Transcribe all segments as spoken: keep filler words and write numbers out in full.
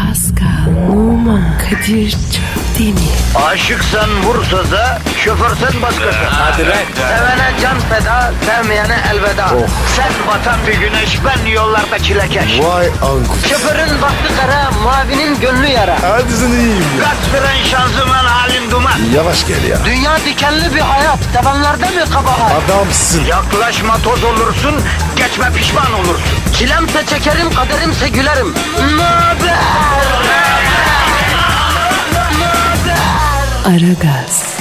Pascal, Oman, Kadir çok değil mi? Aşıksan vursa da, şoförsen başkasın. Hadi lan. Sevene can feda, sevmeyene elveda. Sen batan bir güneş, ben yollarda çilekeş. Vay anku. Şoförün baktı kara, mavinin gönlü yara. Hadi sen iyiyim ya. Kasperen şanzıman halin duman. Yavaş gel ya. Dünya dikenli bir hayat, sevenlerde mi kabahar? Adamsın. Yaklaşma toz olursun, geçme pişman olursun. Çilemse çekerim, kaderimse gülerim. Möber! Aragaz,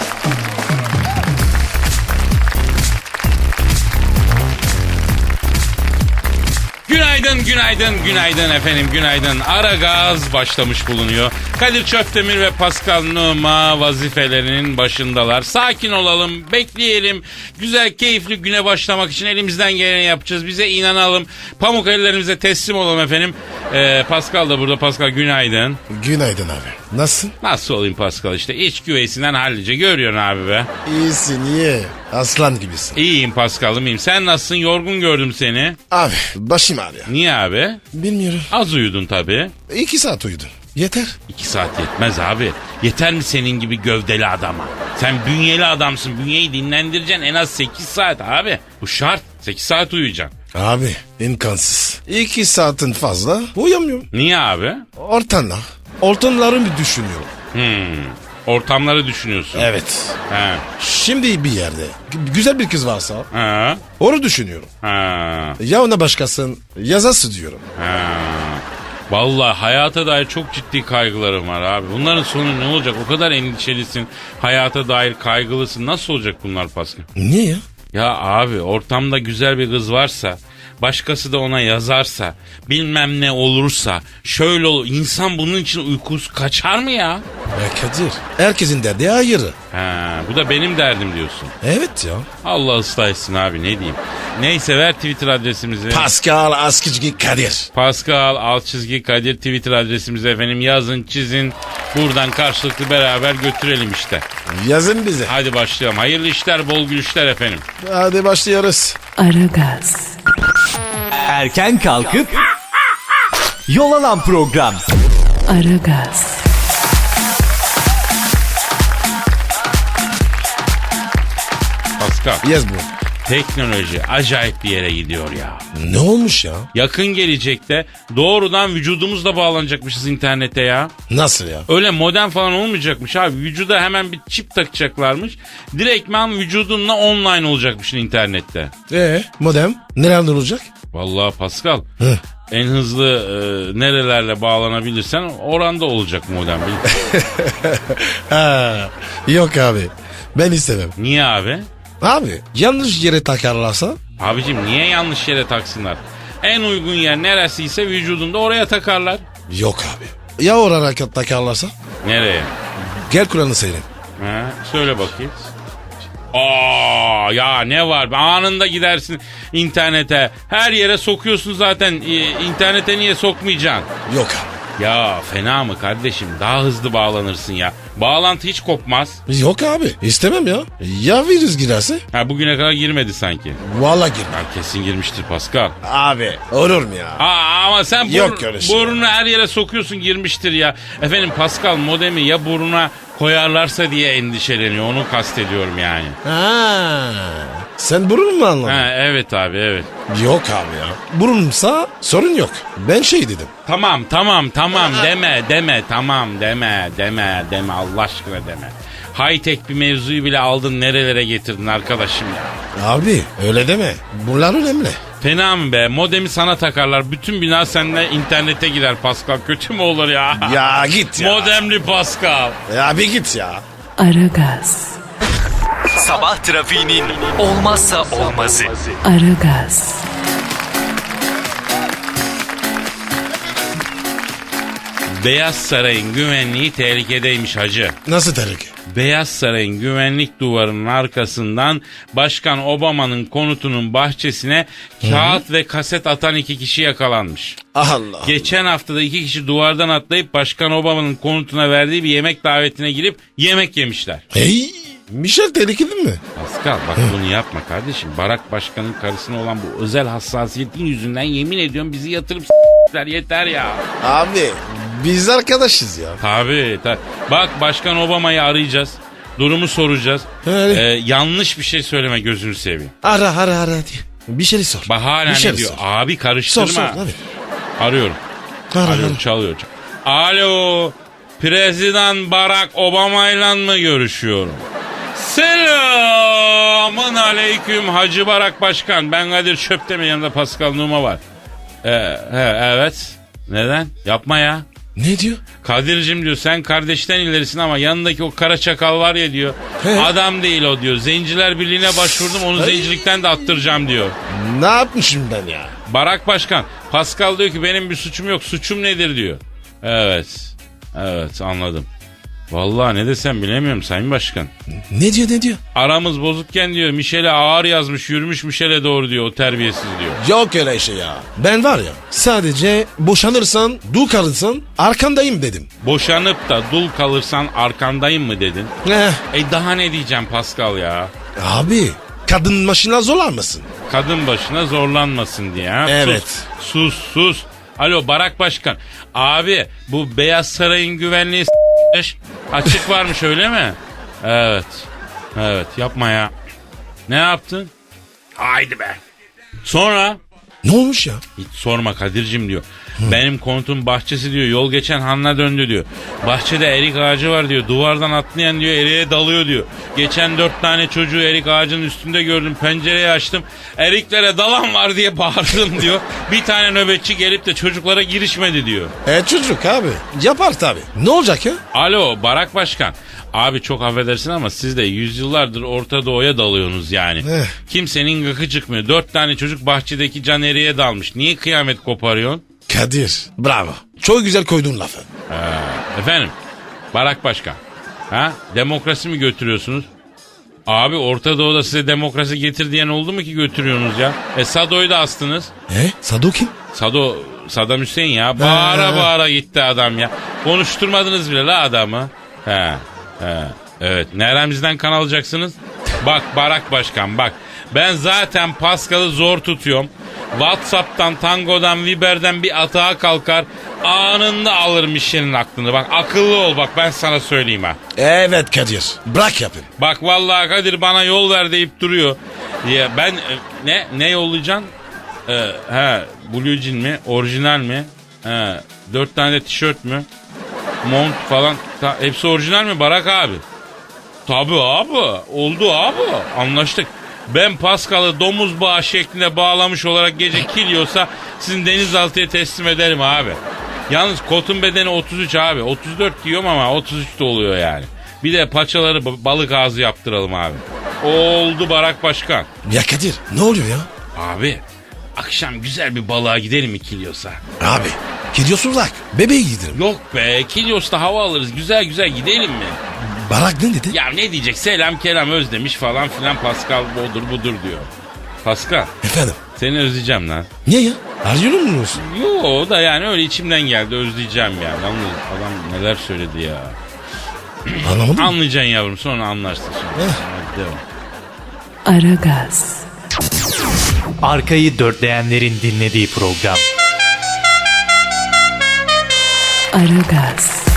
Günaydın, günaydın, günaydın efendim, günaydın. Aragaz başlamış bulunuyor. Kadir Çöptemir ve Pascal Numa vazifelerinin başındalar. Sakin olalım, bekleyelim. Güzel, keyifli güne başlamak için elimizden geleni yapacağız. Bize inanalım. Pamuk ellerimize teslim olalım efendim. Ee, Pascal da burada. Pascal günaydın. Günaydın abi. Nasılsın? Nasıl olayım Pascal işte? İç güveysinden hallice görüyorsun abi be. İyisin iyi. Aslan gibisin. İyiyim Pascal'ım iyiyim. Sen nasılsın? Yorgun gördüm seni. Abi başım ağrıyor. Niye abi? Bilmiyorum. Az uyudun tabii. İki saat uyudum. Yeter. İki saat yetmez abi. Yeter mi senin gibi gövdeli adama? Sen bünyeli adamsın. Bünyeyi dinlendireceksin en az sekiz saat abi. Bu şart. sekiz saat uyuyacaksın. Abi imkansız. İki saatin fazla uyuyamıyorum. Niye abi? Ortamlar. Ortamları bir düşünüyorum. Hmm. Ortamları düşünüyorsun. Evet. Ha. Şimdi bir yerde g- güzel bir kız varsa Ha. onu düşünüyorum. Ha. Ya ona başkasın yazası diyorum. Ha. Vallahi hayata dair çok ciddi kaygılarım var abi. Bunların sonu ne olacak? O kadar endişelisin. Hayata dair kaygılısın. Nasıl olacak bunlar Pascal? Niye ya? Ya abi ortamda güzel bir kız varsa, başkası da ona yazarsa, bilmem ne olursa, şöyle olur. İnsan bunun için uykusu kaçar mı ya? Ya Kadir herkesin derdi ayrı. Ha, bu da benim derdim diyorsun. Evet ya. Allah ıslah etsin abi ne diyeyim. Neyse ver Twitter adresimizi. Pascal Askizgi Kadir. Pascal alt çizgi Kadir Twitter adresimizi efendim yazın çizin. Buradan karşılıklı beraber götürelim işte. Yazın bize. Hadi başlayalım. Hayırlı işler bol gülüşler efendim. Hadi başlıyoruz. Aragaz, Erken kalkıp yol alan program. Aragaz, Pascal. Yaz bu. Teknoloji acayip bir yere gidiyor ya. Ne olmuş ya? Yakın gelecekte doğrudan vücudumuzla bağlanacakmışız internete ya. Nasıl ya? Öyle modem falan olmayacakmış abi. Vücuda hemen bir çip takacaklarmış. Direktman vücudunla online olacakmışsın internette. Ee, modem nereden olacak? Vallahi Pascal Hı. en hızlı e, nerelerle bağlanabilirsen oranda olacak modem. Ha, yok abi. Ben istemem. Niye abi? Abi yanlış yere takarlarsa? Abicim niye yanlış yere taksınlar? En uygun yer neresiyse vücudunda oraya takarlar. Yok abi. Ya oraya takarlarsa? Nereye? Gel Kur'an'ı seyredin. Ha, söyle bakayım. Aa ya ne var? Anında gidersin internete. Her yere sokuyorsun zaten. Ee, internete niye sokmayacaksın? Yok abi. Ya fena mı kardeşim? Daha hızlı bağlanırsın ya. Bağlantı hiç kopmaz. Yok abi. İstemem ya. Ya virüs girerse? Ha bugüne kadar girmedi sanki. Vallahi girmem. Ha, kesin girmiştir Pascal. Abi olur mu ya? Aa, ama sen bur- Yok öyle şey. burnunu her yere sokuyorsun girmiştir ya. Efendim Pascal modemi ya burnuna koyarlarsa diye endişeleniyor. Onu kastediyorum yani. Ha. Sen burun mu anladın? Ha, evet abi evet. Yok abi ya. Burunsa sorun yok. Ben şey dedim. Tamam tamam tamam deme deme tamam deme deme deme Allah aşkına deme. High tech bir mevzuyu bile aldın nerelere getirdin arkadaşım ya. Abi öyle deme. Bunlar önemli. Fena mı be? Modemi sana takarlar. Bütün bina seninle internete girer Pascal. Kötü mü olur ya? Ya git ya. Modemli Pascal. Ya bir git ya. Aragaz, Sabah trafiğinin olmazsa olmazı. Aragaz, Beyaz Saray'ın güvenliği tehlikedeymiş hacı. Nasıl tehlike? Beyaz Saray'ın güvenlik duvarının arkasından Başkan Obama'nın konutunun bahçesine kağıt ve kaset atan iki kişi yakalanmış. Allah. Geçen haftada iki kişi duvardan atlayıp Başkan Obama'nın konutuna verdiği bir yemek davetine girip yemek yemişler. Hey. Michel tehlikeli mi? Pascal bak bunu yapma kardeşim. Barack Başkan'ın karısına olan bu özel hassasiyetin yüzünden yemin ediyorum bizi yatırıp s**ler yeter ya. Abi Biz arkadaşız ya. Tabii. Ta- Bak Başkan Obama'yı arayacağız. Durumu soracağız. Öyle. Ee, yanlış bir şey söyleme gözünü seveyim. Ara ara ara diye. Bir şey sor. Bak hala Bir ne şey diyor? sor. Abi karıştırma. Sor sor abi. Arıyorum. Ara, Arıyorum ara. çalıyor. Alo. Prezident Barack Obama'yla mı görüşüyorum? Selamun aleyküm Hacı Barak Başkan. Ben Kadir Çöptemir, yanımda Pascal Numa var. Ee, he, evet. Neden? Yapma ya. Ne diyor? Kadir'cim diyor, sen kardeşten ilerisin ama yanındaki o kara çakal var ya diyor. He. Adam değil o diyor. Zenciler Birliği'ne başvurdum, onu zencilikten de attıracağım diyor. Ne yapmışım ben ya? Barak Başkan, Pascal diyor ki benim bir suçum yok, suçum nedir diyor. Evet. Evet, anladım. Vallahi ne desem bilemiyorum Sayın Başkan. Ne diyor ne diyor? Aramız bozukken diyor Michel'e ağır yazmış, yürümüş Michel'e doğru diyor, o terbiyesiz diyor. Yok öyle şey ya. Ben var ya sadece boşanırsan, dul kalırsan arkandayım dedim. Boşanıp da dul kalırsan arkandayım mı dedin? Eh, E daha ne diyeceğim Pascal ya? abi kadın başına zorlanmasın. Kadın başına zorlanmasın diye. Ha? Evet. Sus, sus, sus. Alo Barak Başkan. Abi bu Beyaz Saray'ın güvenliği s**miş. Açık varmış öyle mi? Evet. Evet, yapma ya. Ne yaptın? Haydi be. Sonra? Ne olmuş ya? Hiç sorma Kadir'cim diyor. Benim konutun bahçesi diyor yol geçen hanına döndü diyor. Bahçede erik ağacı var diyor. Duvardan atlayan diyor eriğe dalıyor diyor. Geçen dört tane çocuğu erik ağacının üstünde gördüm. Pencereyi açtım. Eriklere dalan var diye bağırdım diyor. Bir tane nöbetçi gelip de çocuklara girişmedi diyor. E çocuk abi. Yapar tabii. Ne olacak ya? Alo Barak Başkan. Abi çok affedersin ama siz de yüzyıllardır Orta Doğu'ya dalıyorsunuz yani. Eh. Kimsenin gıkı çıkmıyor. Dört tane çocuk bahçedeki can eriğe dalmış. Niye kıyamet koparıyorsun? Kadir bravo. Çok güzel koydun lafı. Efendim Barak Başkan. Ha? Demokrasi mi götürüyorsunuz? Abi Orta Doğu'da size demokrasi getir diyen oldu mu ki götürüyorsunuz ya? E Sado'yu da astınız. E Sado kim? Sado, Saddam Hüseyin ya. Bağıra He. bağıra gitti adam ya. Konuşturmadınız bile la adamı. He, he. Evet. Neremizden kan alacaksınız? Bak Barak Başkan bak. Ben zaten Pascal'ı zor tutuyorum. WhatsApp'tan, Tango'dan, Viber'den bir atağa kalkar. Anında alır Michel'in aklını. Bak akıllı ol bak ben sana söyleyeyim ha. Evet Kadir. Bırak yapın. Bak vallahi Kadir bana yol ver deyip duruyor. Ya ben e, ne ne yollayacaksın? Ee, he Blue Jean mi? Orijinal mi? He, dört tane de tişört mü? Mont falan. Ta, hepsi orijinal mi Barak abi? Tabii abi. Oldu abi. Anlaştık. Ben Pascal'ı domuz bağı şeklinde bağlamış olarak gece kiliyorsa sizin denizaltıya teslim ederim abi. Yalnız kotun bedeni otuz üç abi. otuz dört diyorum ama otuz üç de oluyor yani. Bir de paçaları balık ağzı yaptıralım abi. Oldu Barak Başkan. Ya Kadir ne oluyor ya? Abi akşam güzel bir balığa gidelim mi Kilyos'a? Abi gidiyorsun uzak. Bebeği giderim. Yok be Kilyos'ta hava alırız güzel güzel gidelim mi? Barak ne dedi? Ya ne diyecek selam kelam özlemiş falan filan Pascal budur budur diyor. Pascal Efendim? seni özleyeceğim lan. Niye ya? Arıyor musun? Yo da yani öyle içimden geldi özleyeceğim yani. Yalnız adam neler söyledi ya. Anlamadım. Anlayacaksın yavrum sonra anlarsın sonra. Eh. Hadi devam. Aragaz, Arkayı dörtleyenlerin dinlediği program. Aragaz,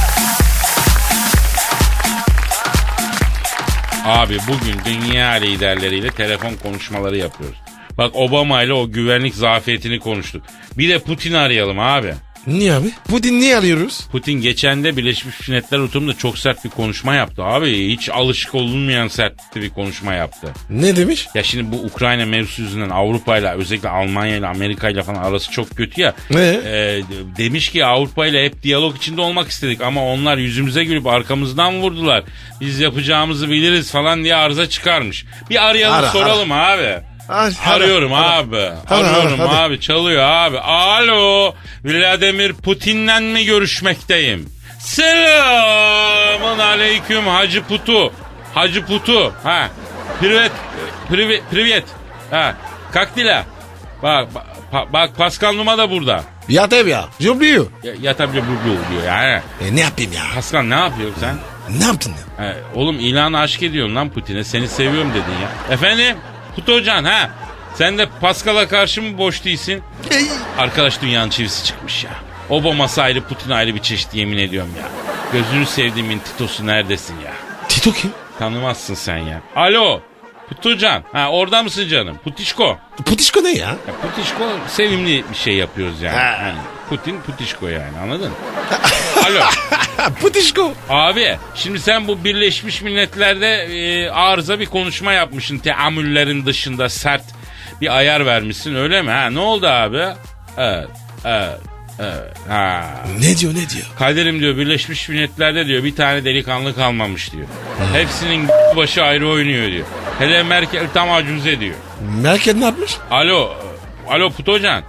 Abi bugün dünya liderleriyle telefon konuşmaları yapıyoruz. Bak Obama ile o güvenlik zafiyetini konuştuk. Bir de Putin'i arayalım abi. Niye abi? Putin niye arıyoruz? Putin geçen de Birleşmiş Milletler oturumunda çok sert bir konuşma yaptı abi. Hiç alışık olunmayan sert bir konuşma yaptı. Ne demiş? Ya şimdi bu Ukrayna mevzusu yüzünden Avrupa ile özellikle Almanya ile Amerika ile falan arası çok kötü ya. Ne? Ee, demiş ki Avrupa ile hep diyalog içinde olmak istedik ama onlar yüzümüze gülüp arkamızdan vurdular. Biz yapacağımızı biliriz falan diye arıza çıkarmış. Bir arayalım Ara, soralım abi. Ar- ara, Arıyorum ara. abi. Ara, Arıyorum ara, hadi. abi. Çalıyor abi. Alo. Vladimir Putin'le mi görüşmekteyim? Selamun aleyküm Hacı Putu. Hacı Putu. Ha. Privet. Privet. Privet. Ha. Kaktila. Bak bak, bak Pascal Numa da burada. Ya tabii ya. Jubluyor. Ya, ya tabii bu bu diyor yani. E ne yapayım ya? Pascal ne yapıyorsun sen? Ne yaptın ya? He, oğlum ilanı aşk ediyorsun lan Putin'e. Seni seviyorum dedin ya. Efendim? Putu Hocan ha. Sen de Pascal'a karşı mı boş değilsin? Arkadaş dünyanın çivisi çıkmış ya. Obama'sı ayrı, Putin ayrı bir çeşit, yemin ediyorum ya. Gözünü sevdiğimin Tito'su neredesin ya? Tito kim? Tanımazsın sen ya. Alo. Putucan. Ha, orada mısın canım? Putişko. Putişko ne ya? Ya Putişko sevimli bir şey yapıyoruz yani. Ha. Yani Putin Putişko yani, anladın mı? Alo. Putişko. Abi şimdi sen bu Birleşmiş Milletler'de e, arıza bir konuşma yapmışsın. Teamüllerin dışında sert bir ayar vermişsin, öyle mi? Ha, ne oldu abi? Evet. Evet. Evet. Ha. Ne diyor ne diyor? Kaderim diyor, Birleşmiş Milletler'de diyor bir tane delikanlı kalmamış diyor. Hepsinin başı ayrı oynuyor diyor. Hele Merkel tam acuze diyor. Merkel ne yapmış? Alo. Alo Putocan.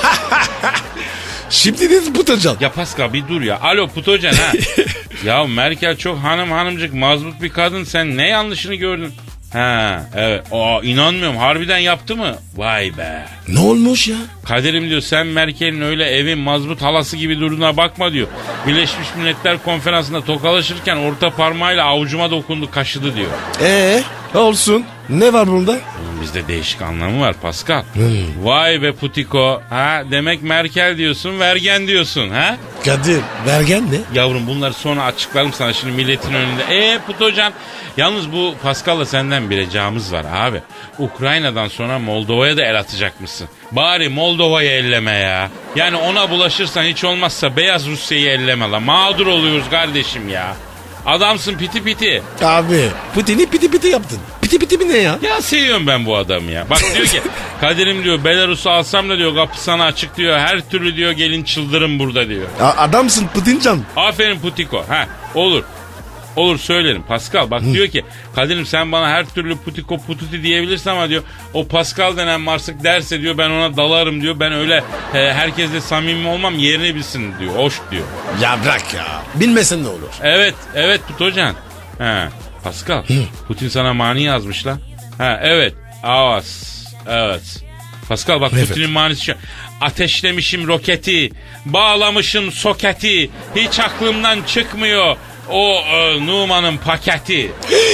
Şimdi de Putocan. Ya Pascal bir dur ya. Alo Putocan ha. Ya Merkel çok hanım hanımcık mazbut bir kadın, sen ne yanlışını gördün? Ha evet. Aa, inanmıyorum, harbiden yaptı mı? Vay be. Ne olmuş ya? Kaderim diyor, sen Merkel'in öyle evin mazbut halası gibi durduğuna bakma diyor. Birleşmiş Milletler Konferansı'nda tokalaşırken orta parmağıyla avucuma dokundu, kaşıdı diyor. Ee, olsun. Ne var bunda? Oğlum bizde değişik anlamı var Pascal. Hmm. Vay be Putiko. Ha demek Merkel diyorsun, vergen diyorsun ha? Kadir, vergen ne? Yavrum bunları sonra açıklarım sana şimdi milletin önünde. Eee Putocan, yalnız bu Pascal'la senden bir ricamız var abi. Ukrayna'dan sonra Moldova'ya da el atacak mısın? Bari Moldova'yı elleme ya. Yani ona bulaşırsan hiç olmazsa Beyaz Rusya'yı elleme la. Mağdur oluyoruz kardeşim ya. Adamsın piti piti. Abi, Putin'i piti piti yaptın. Piti piti mi ne ya? Ya seviyorum ben bu adamı ya. Bak diyor ki Kadir'im diyor, Belarus'u alsam da diyor kapı sana açık diyor. Her türlü diyor gelin çıldırın burada diyor. A- adamsın Putincan. Aferin Putiko. Ha olur. Olur söylerim. Pascal bak diyor ki Kadir'im sen bana her türlü Putiko Pututi diyebilirsin ama diyor o Pascal denen marsık derse diyor ben ona dalarım diyor. Ben öyle e, herkesle samimi olmam, yerini bilsin diyor. Hoş diyor. Ya bırak ya. Bilmesen ne olur? Evet evet Putocan. Ha Pascal Putin sana mani yazmış lan. Ha evet. Avaz. Evet. Pascal bak Evet. Putin'in manisi şu. Ateşlemişim roketi, bağlamışım soketi, hiç aklımdan çıkmıyor o e, Numan'ın paketi.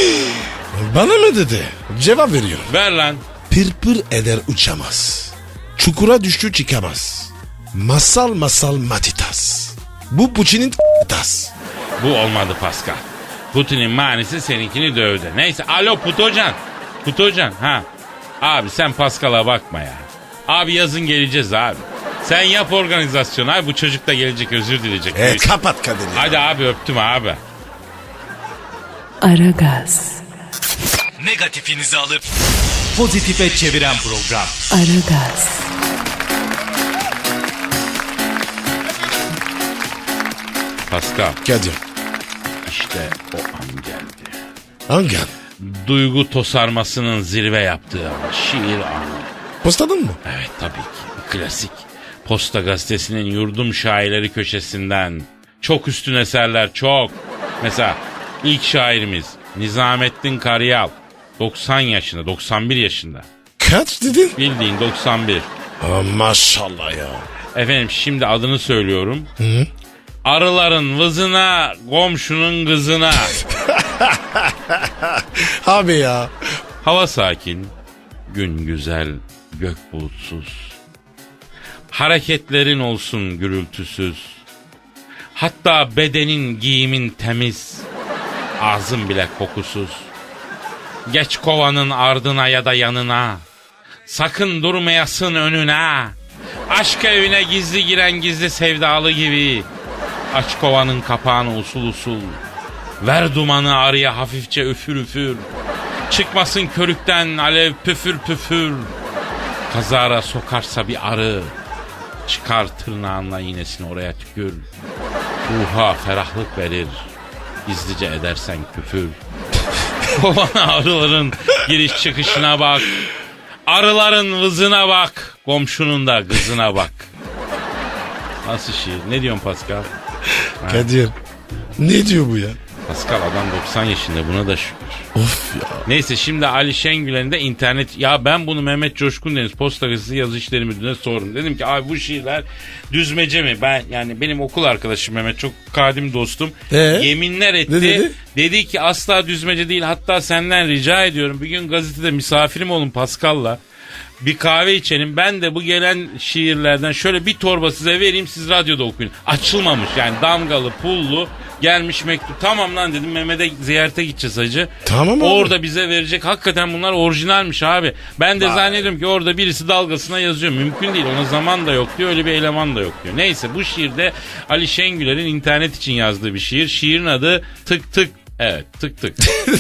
Bana mı dedi? Cevap veriyor. Ver lan. Pırpır eder uçamaz. Çukura düştü çıkamaz. Masal masal matitas. Bu Putin'in tas. Bu olmadı Pascal. Putin'in manisi seninkini dövdü. Neyse alo Putocan. Putocan ha. Abi sen Pascal'a bakma ya. Abi yazın geleceğiz abi. Sen yap organizasyonu abi, bu çocuk da gelecek, özür dileyecek. E, kapat Kadir ya. Hadi abi öptüm abi. Aragaz, Negatifinizi alıp pozitife çeviren program. Aragaz, Pascal Kadir. işte o an geldi. Hangi an? Duygu tosarmasının zirve yaptığı an. Şiir anı. Postadın mı? Evet tabii ki. Klasik. Posta Gazetesi'nin yurdum şairleri köşesinden. Çok üstün eserler çok. Mesela ilk şairimiz Nizamettin Karayel. doksan yaşında, doksan bir yaşında. Kaç dedin? Bildiğin doksan bir. Aa, maşallah ya. Efendim şimdi adını söylüyorum. Hı? Arıların vızına, komşunun kızına. Abi ya. Hava sakin, gün güzel, gök bulutsuz. Hareketlerin olsun gürültüsüz. Hatta bedenin, giyimin temiz. Ağzın bile kokusuz. Geç kovanın ardına ya da yanına. Sakın durmayasın önüne. Aşk evine gizli giren gizli sevdalı gibi. Aç kovanın kapağını usul usul. Ver dumanı arıya hafifçe üfür üfür. Çıkmasın körükten alev püfür püfür. Kazara sokarsa bir arı. Çıkar tırnağınla iğnesini oraya tükür. Ruha ferahlık verir. Gizlice edersen küfür. Kovana arıların giriş çıkışına bak. Arıların vızına bak. Komşunun da kızına bak. Nasıl şiir? Ne diyorsun Pascal? Kadir. Ne diyor bu ya? Pascal adam doksan yaşında, buna da şükür. Of ya. Neyse şimdi Ali Şengülen'in de internet... Ya ben bunu Mehmet Coşkun Deniz Posta Gazetesi Yazı İşleri Müdürü'ne sordum. Dedim ki abi bu şiirler düzmece mi? Ben yani benim okul arkadaşım Mehmet, çok kadim dostum. Ee? Yeminler etti. Ne dedi? Dedi ki asla düzmece değil, hatta senden rica ediyorum. Bir gün gazetede misafirim olun Pascal'la. Bir kahve içelim. Ben de bu gelen şiirlerden şöyle bir torba size vereyim. Siz radyoda okuyun. Açılmamış yani damgalı pullu gelmiş mektup. Tamam lan dedim, Mehmet'e ziyarete gideceğiz hacı. Tamam abi. Orada bize verecek. Hakikaten bunlar orijinalmiş abi. Ben de zannediyorum ki orada birisi dalgasına yazıyor. Mümkün değil, ona zaman da yok diyor. Öyle bir eleman da yok diyor. Neyse, bu şiirde Ali Şengüler'in internet için yazdığı bir şiir. Şiirin adı Tık Tık. Evet, tık tık.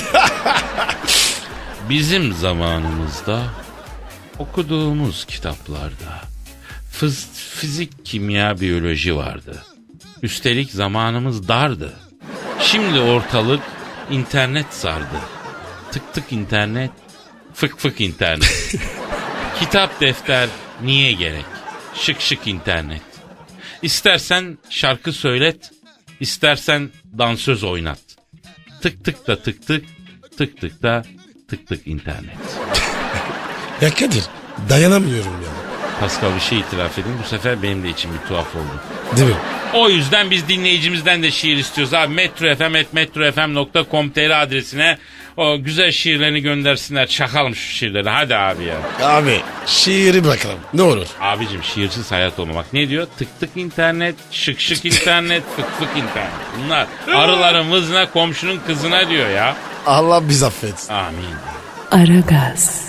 Bizim zamanımızda okuduğumuz kitaplarda fız, fizik, kimya, biyoloji vardı. Üstelik zamanımız dardı. Şimdi ortalık internet sardı. Tık tık internet, fık fık internet. Kitap, defter niye gerek? Şık şık internet. İstersen şarkı söylet, istersen dansöz oynat. Tık tık da tık tık, tık tık da tık tık internet. Ya Kadir, dayanamıyorum ya. Pascal, bir şey itiraf edeyim. Bu sefer benim de içim bir tuhaf oldu. Değil mi? O yüzden biz dinleyicimizden de şiir istiyoruz abi. metrofm at metrofm nokta com nokta tr adresine o güzel şiirlerini göndersinler. Çakalım şu şiirleri. Hadi abi ya. Abi şiiri bırakalım. Ne olur. Abicim, şiirsiz hayat olma. Bak ne diyor? Tık tık internet, şık şık internet, fık fık internet. Bunlar arıların vızına, komşunun kızına diyor ya. Allah biz affet. Amin. Aragaz,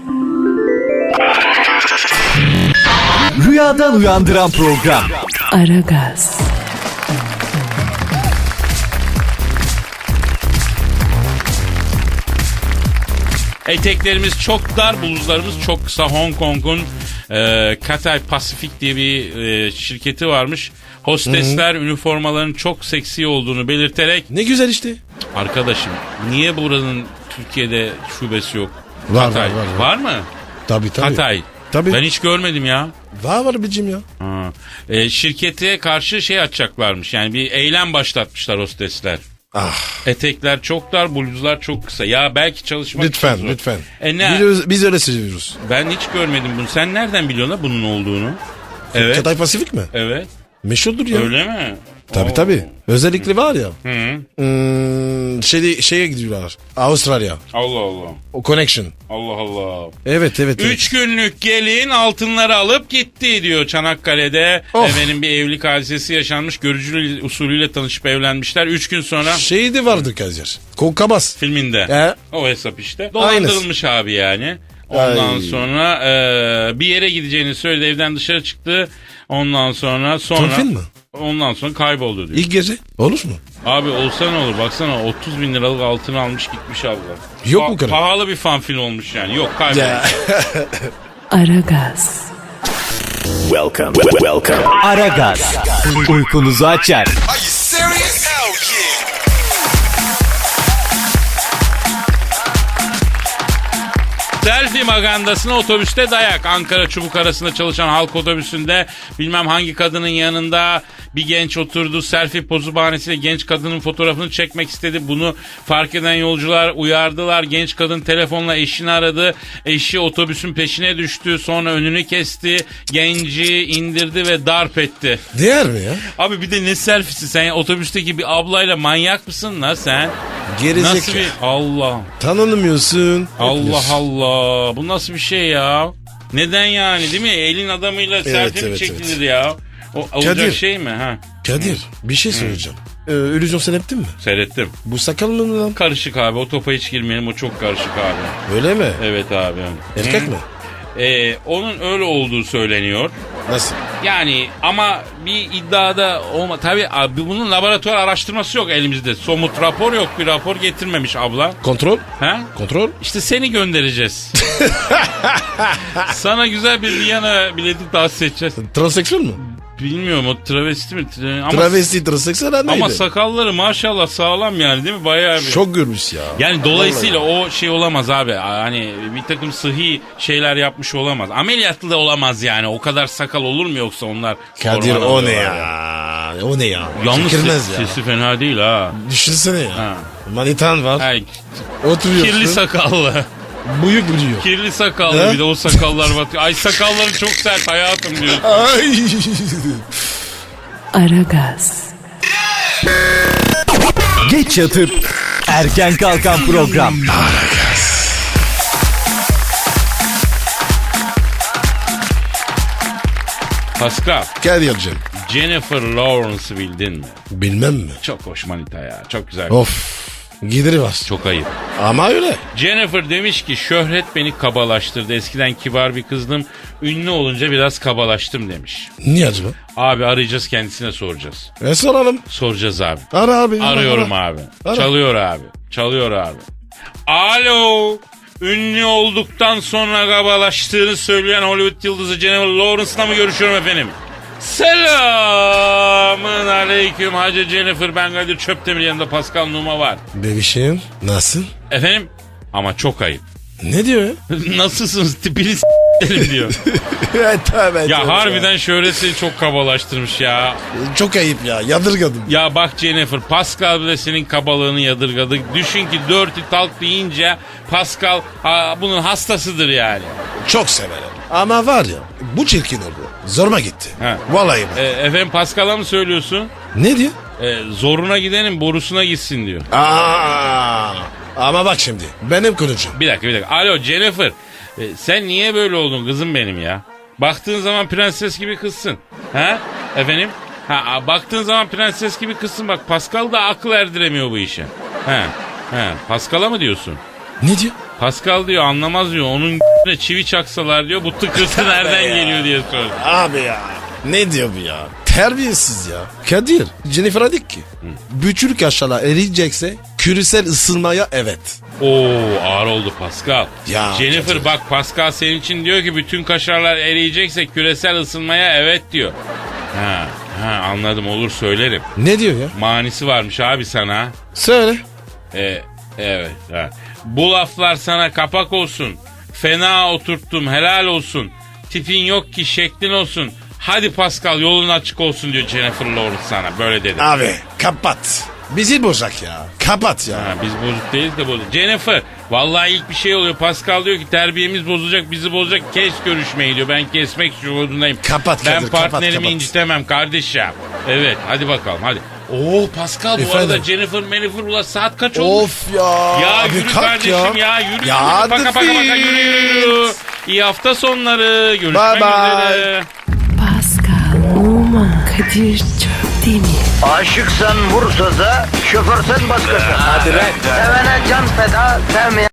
Rüyadan uyandıran program. Aragaz, Eteklerimiz çok dar, bluzlarımız çok kısa. Hong Kong'un e, Cathay Pacific diye bir e, şirketi varmış. Hostesler üniformaların çok seksi olduğunu belirterek, Ne güzel işte. arkadaşım niye buranın Türkiye'de şubesi yok? Var, Hatay. var, var, var. Var mı? Tabii tabii. Hatay. Tabii. Ben hiç görmedim ya. Var var bicim ya. Ha. E, şirkete karşı şey açacaklarmış. Yani bir eylem başlatmışlar hostesler. Ah. Etekler çok dar, bluzlar çok kısa. Ya belki çalışmak Lütfen için zor. lütfen. E ne? Biz, biz öyle seviyoruz. Ben hiç görmedim bunu. Sen nereden biliyorsun la bunun olduğunu? Evet. Çatay Pasifik mi? Evet. Meşhurdur ya. Öyle mi? Tabii Oo. tabii. Özellikle var ya. Hı. Hmm, şey, şeye gidiyorlar. Avustralya. Allah Allah. O connection. Allah Allah. Evet evet. evet. Üç günlük gelin altınları alıp gitti diyor Çanakkale'de. Of. Efendim bir evlilik hadisesi yaşanmış. Görücülü usulüyle tanışıp evlenmişler. Üç gün sonra Şey de vardı Kadir. Kokabas. filminde. He. O hesap işte. Dolandırılmış abi yani. Ondan Ay. sonra e, bir yere gideceğini söyledi. Evden dışarı çıktı. Ondan sonra sonra Tonfil mi? ondan sonra kayboldu diyor. İlk gece. Olur mu? Abi olsa ne olur, baksana otuz bin liralık altın almış gitmiş abla. Yok mu kadar? Pahalı bir fanfil olmuş yani. Yok, kaybolmuş. Ya. Aragaz, Welcome. Welcome. Aragaz. Uykunuzu açar. Selfie magandasına otobüste dayak. Ankara Çubuk arasında çalışan halk otobüsünde bilmem hangi kadının yanında bir genç oturdu. Selfie pozu bahanesiyle genç kadının fotoğrafını çekmek istedi. Bunu fark eden yolcular uyardılar. Genç kadın telefonla eşini aradı. Eşi otobüsün peşine düştü. Sonra önünü kesti. Genci indirdi ve darp etti. Değer mi ya? Abi bir de ne selfiesi sen ya? Otobüsteki bir ablayla manyak mısın la sen? Gerizekalı. Nasıl bir Allah Tanınmıyorsun. Allah Allah, bu nasıl bir şey ya? Neden yani, değil mi? Elin adamıyla selfie mi evet, çekilir evet. ya? O olacak Kadir. şey mi ha? Kadir bir şey söyleyeceğim. Ee, illüzyon sen ettin mi? Seyrettim. Bu sakal mı lan? Karışık abi, o topa hiç girmeyelim, o çok karışık abi. Öyle mi? Evet abi. Erkek Hı. mi? Ee, onun öyle olduğu söyleniyor. Nasıl? Yani ama bir iddiada olma. Tabii abi bunun laboratuvar araştırması yok elimizde. Somut rapor yok, bir rapor getirmemiş abla. Kontrol? Ha? Kontrol? İşte seni göndereceğiz. Sana güzel bir Viyana bileti tahsis edeceğiz. Transseksüel mi? Bilmiyorum, o travesti mi? Tra- Ama, Travesti transseksüel neydi? ama sakalları maşallah sağlam yani, değil mi? Bayağı bir. Çok görmüş ya. Yani dolayısıyla o şey olamaz abi. Hani bir takım sıhhi şeyler yapmış olamaz. Ameliyatlı da olamaz yani. O kadar sakal olur mu yoksa onlar? Kadir hormon o ne alıyorlar ya? O ne ya? Yalnız Çekilmez ses- ya. sesi fena değil ha. Düşünsene ya. Ha. Manitan var. Ay, Oturuyorsun. kirli sakallı. Bıyık buluyor. Kirli sakallı He? bir de o sakallar batıyor. Ay sakalları çok sert hayatım diyor. Ay. Aragaz, Geç yatıp erken kalkan program. Pascal, Kadir'cim. Jennifer Lawrence'ı bildin mi? Bilmem mi? Çok hoş manita ya. Çok güzel. Of. Gideri var. Çok ayıp. Ama öyle. Jennifer demiş ki şöhret beni kabalaştırdı. Eskiden kibar bir kızdım. Ünlü olunca biraz kabalaştım demiş. Niye acaba? Abi arayacağız, kendisine soracağız. E soralım. Soracağız abi. Ara abi. ara, Arıyorum ara. abi. Ara. Çalıyor abi. Çalıyor abi. Alo. Ünlü olduktan sonra kabalaştığını söyleyen Hollywood yıldızı Jennifer Lawrence'la mı görüşüyorum efendim? Selamın aleyküm Hacı Jennifer, ben Kadir Çöptemir, yanında Pascal Numa var. Bebişim nasıl? Efendim? Ama çok ayıp. Ne diyor ya? Nasılsınız tipini s**erim diyor. evet, evet, Ya evet harbiden şöhret seni çok kabalaştırmış ya. Çok ayıp ya, yadırgadım. Ya bak Jennifer, Pascal bile senin kabalığını yadırgadı. Düşün ki dirty talk deyince Pascal ha, bunun hastasıdır yani. Çok severim. Ama var ya, bu çirkin oldu. Zoruma gitti. Ha. Vallahi bak. E, efendim Pascal'a mı söylüyorsun? Ne diyor? E, zoruna gidenin borusuna gitsin diyor. Aa, ama bak şimdi, benim konuşum. Bir dakika bir dakika. Alo Jennifer, e, sen niye böyle oldun kızım benim ya? Baktığın zaman prenses gibi kızsın. Ha? Efendim? Ha, a, baktığın zaman prenses gibi kızsın. Bak Pascal da akıl erdiremiyor bu işe. Ha. Ha. Pascal'a mı diyorsun? Ne diyor? Pascal diyor anlamaz diyor. Onun çivi çaksalar diyor. Bu tıkırtı nereden geliyor diye sordu. Abi ya. Ne diyor bu ya? Terbiyesiz ya. Kadir, Jennifer'a dik ki. Bütün kaşarlar eriyecekse küresel ısınmaya evet. Oo ağır oldu Pascal. Ya, Jennifer Kadir. bak Pascal senin için diyor ki bütün kaşarlar eriyecekse küresel ısınmaya evet diyor. Ha, ha anladım, olur söylerim. Ne diyor ya? Manisi varmış abi sana. Söyle. E, evet. Ha. Bu laflar sana kapak olsun. Fena oturttum, helal olsun. Tipin yok ki şeklin olsun. Hadi Pascal yolun açık olsun diyor Jennifer Lawrence sana. Böyle dedi. Abi kapat. Bizi bozak ya. Kapat ya. Ha, biz bozuk değiliz de bozuk. Jennifer vallahi ilk bir şey oluyor. Pascal diyor ki terbiyemiz bozulacak, bizi bozacak. Kes görüşmeyi diyor. Ben kesmek zorundayım. Kapat Ben Kadir, kapat, partnerimi kapat. incitemem kardeşim. Evet hadi bakalım hadi. Oo Pascal bu Efendim? arada Jennifer Jennifer ula saat kaç olmuş? Of ya. Ya Abi yürü kalk kardeşim ya, yürü Ya yürü. hadi Paka paka paka yürü yürü. İyi hafta sonları. Görüşmek Bye bye. üzere. Pascal, Oman, Kadir çok değil mi? Aşıksan vursa da, şoförsen başkasın. Hadi lan. Sevene can feda, sevmeyene